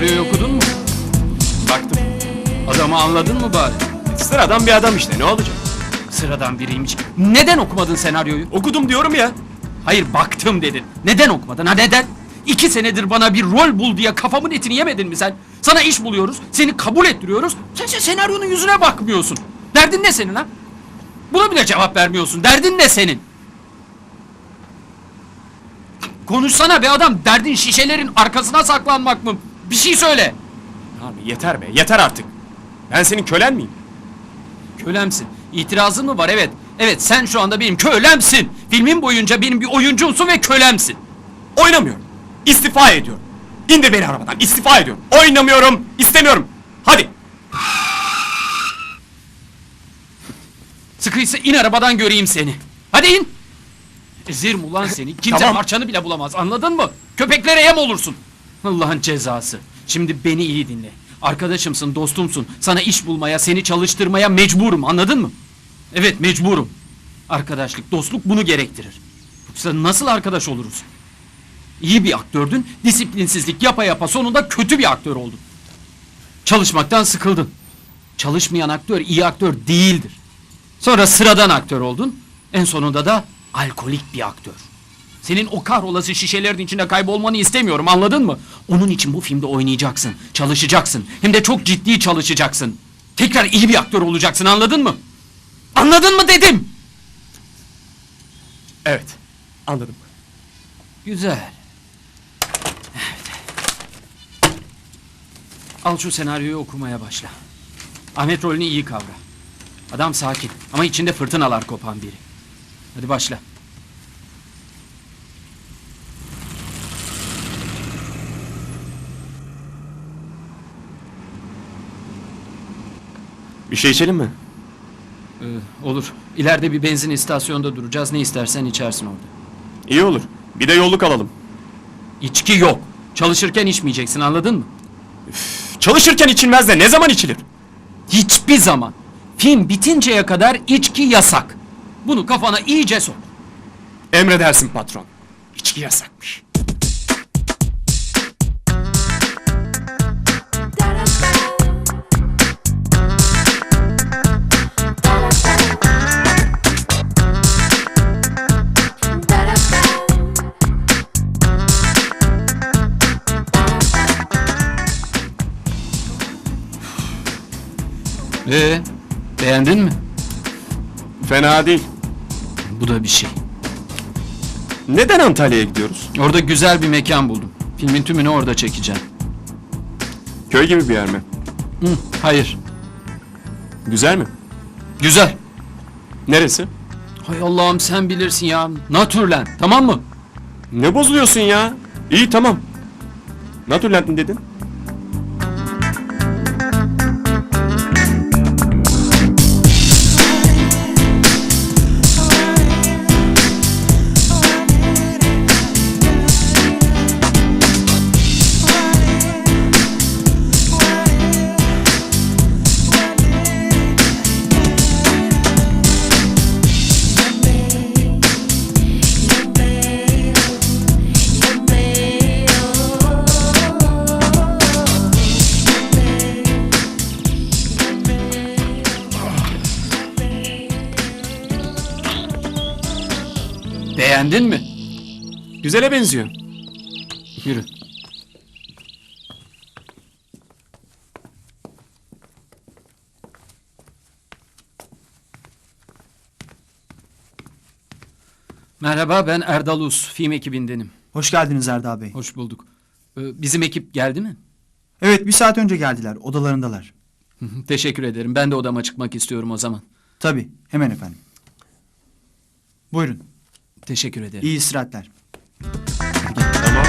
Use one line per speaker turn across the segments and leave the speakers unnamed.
senaryoyu okudun mu?
Baktım.
Adamı anladın mı bari?
Sıradan bir adam işte, ne olacak?
Sıradan biriymiş. Neden okumadın senaryoyu?
Okudum diyorum ya.
Hayır, baktım dedin. Neden okumadın? Ha, neden? 2 senedir bana bir rol bul diye kafamın etini yemedin mi sen? Sana iş buluyoruz, seni kabul ettiriyoruz. Sen senaryonun yüzüne bakmıyorsun. Derdin ne senin ha? Buna bile cevap vermiyorsun. Derdin ne senin? Konuşsana be adam. Derdin şişelerin arkasına saklanmak mı? Bir şey söyle.
Abi yeter be, yeter artık. Ben senin kölen miyim?
Kölemsin. İtirazın mı var? Evet. Evet, sen şu anda benim kölemsin. Filmin boyunca benim bir oyuncumsun ve kölemsin.
Oynamıyorum. İstifa ediyorum. İndir beni arabadan, istifa ediyorum. Oynamıyorum, istemiyorum. Hadi.
Sıkıysa in arabadan göreyim seni. Hadi in. Ezerim ulan seni. Kimse
Tamam.
parçanı bile bulamaz. Anladın mı? Köpeklere yem olursun. Allah'ın cezası. Şimdi beni iyi dinle. Arkadaşımsın, dostumsun. Sana iş bulmaya, seni çalıştırmaya mecburum. Anladın mı? Evet, mecburum. Arkadaşlık, dostluk bunu gerektirir. Yoksa nasıl arkadaş oluruz? İyi bir aktördün, disiplinsizlik yapa yapa sonunda kötü bir aktör oldun. Çalışmaktan sıkıldın. Çalışmayan aktör iyi aktör değildir. Sonra sıradan aktör oldun. En sonunda da alkolik bir aktör. Senin o kahrolası şişelerin içinde kaybolmanı istemiyorum, anladın mı? Onun için bu filmde oynayacaksın, çalışacaksın. Hem de çok ciddi çalışacaksın. Tekrar iyi bir aktör olacaksın, anladın mı? Anladın mı dedim.
Evet, anladım.
Güzel. Evet. Al şu senaryoyu okumaya başla. Ahmet rolünü iyi kavra. Adam sakin ama içinde fırtınalar kopan biri. Hadi başla.
Bir şey içelim mi?
Olur. İleride bir benzin istasyonunda duracağız. Ne istersen içersin orada.
İyi olur. Bir de yolluk alalım.
İçki yok. Çalışırken içmeyeceksin, anladın mı?
Çalışırken içilmez de ne zaman içilir?
Hiçbir zaman. Film bitinceye kadar içki yasak. Bunu kafana iyice sok.
Emredersin patron. İçki yasakmış.
Beğendin mi?
Fena değil.
Bu da bir şey.
Neden Antalya'ya gidiyoruz?
Orada güzel bir mekan buldum. Filmin tümünü orada çekeceğim.
Köy gibi bir yer mi?
Hayır.
Güzel mi?
Güzel.
Neresi?
Hay Allah'ım, sen bilirsin ya. Naturland, tamam mı?
Ne bozuluyorsun ya? İyi tamam. Naturland mi dedin?
Beğendin mi?
Güzele benziyor.
Yürü. Merhaba, ben Erdal Uz, film ekibindenim.
Hoş geldiniz Erdal Bey.
Hoş bulduk. Bizim ekip geldi mi?
Evet, bir saat önce geldiler. Odalarındalar.
Teşekkür ederim. Ben de odama çıkmak istiyorum o zaman.
Tabii, hemen efendim. Buyurun.
Teşekkür ederim.
İyi istirahatler.
Tamam.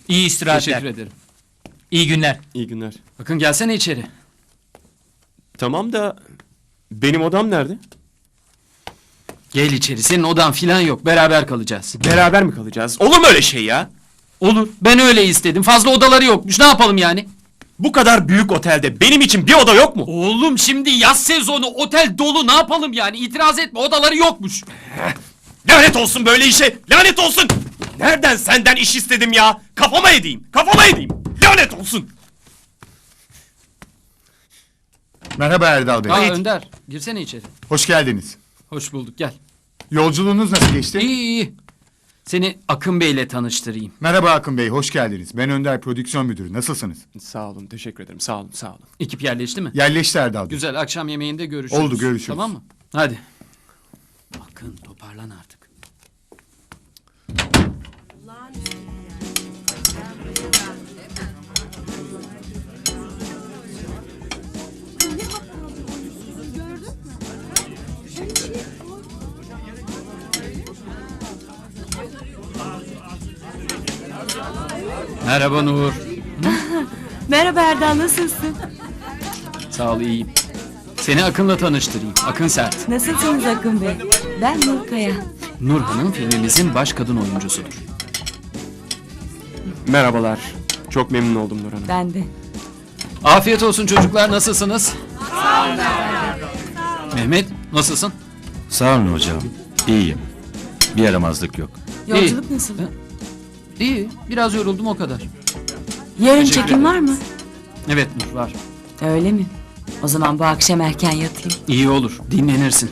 İyi istirahatler.
Teşekkür ederim.
İyi günler.
İyi günler.
Bakın gelsene içeri.
Tamam da benim odam nerede?
Gel içeri. Senin odan filan yok. Beraber kalacağız.
Beraber mi kalacağız? Olur mu öyle şey ya?
Olur. Ben öyle istedim. Fazla odaları yokmuş. Ne yapalım yani?
Bu kadar büyük otelde benim için bir oda yok mu?
Oğlum şimdi yaz sezonu otel dolu. Ne yapalım yani? İtiraz etme. Odaları yokmuş.
Lanet olsun böyle işe! Lanet olsun! Nereden senden iş istedim ya? Kafama edeyim! Kafama edeyim! Lanet olsun!
Merhaba Erdal Bey.
Aa, Önder. Girsene içeri.
Hoş geldiniz.
Hoş bulduk. Gel.
Yolculuğunuz nasıl geçti?
İyi iyi. Seni Akın Bey'le tanıştırayım.
Merhaba Akın Bey, hoş geldiniz. Ben Önder Prodüksiyon Müdürü. Nasılsınız?
Sağ olun, teşekkür ederim. Sağ olun, sağ olun.
Ekip yerleşti mi?
Yerleşti Erdal Bey.
Güzel. Akşam yemeğinde görüşürüz.
Oldu, görüşürüz.
Tamam mı? Hadi. Akın toparlan artık. Merhaba Nur.
Merhaba Erdal, nasılsın?
Sağ ol iyiyim. Seni Akın'la tanıştırayım. Akın Sert.
Nasılsınız Akın Bey? Ben Nurkaya.
Nur Hanım filmimizin baş kadın oyuncusudur.
Merhabalar. Çok memnun oldum Nur Hanım.
Ben de.
Afiyet olsun çocuklar. Nasılsınız? Mehmet nasılsın?
Sağ olun hocam. İyiyim. Bir yaramazlık yok.
Yolculuk nasıl?
İyi. Biraz yoruldum o kadar.
Yarın
Teşekkür
çekim
ederim.
var mı?
Evet Nur var.
Öyle mi? O zaman bu akşam erken yatayım.
İyi olur. Dinlenirsin.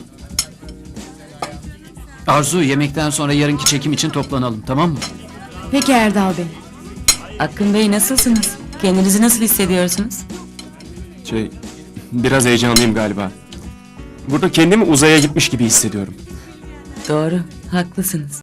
Arzu yemekten sonra yarınki çekim için toplanalım tamam mı?
Peki Erdal Bey. Akın Bey nasılsınız? Kendinizi nasıl hissediyorsunuz?
Biraz heyecanlıyım galiba. Burada kendimi uzaya gitmiş gibi hissediyorum.
Doğru, haklısınız.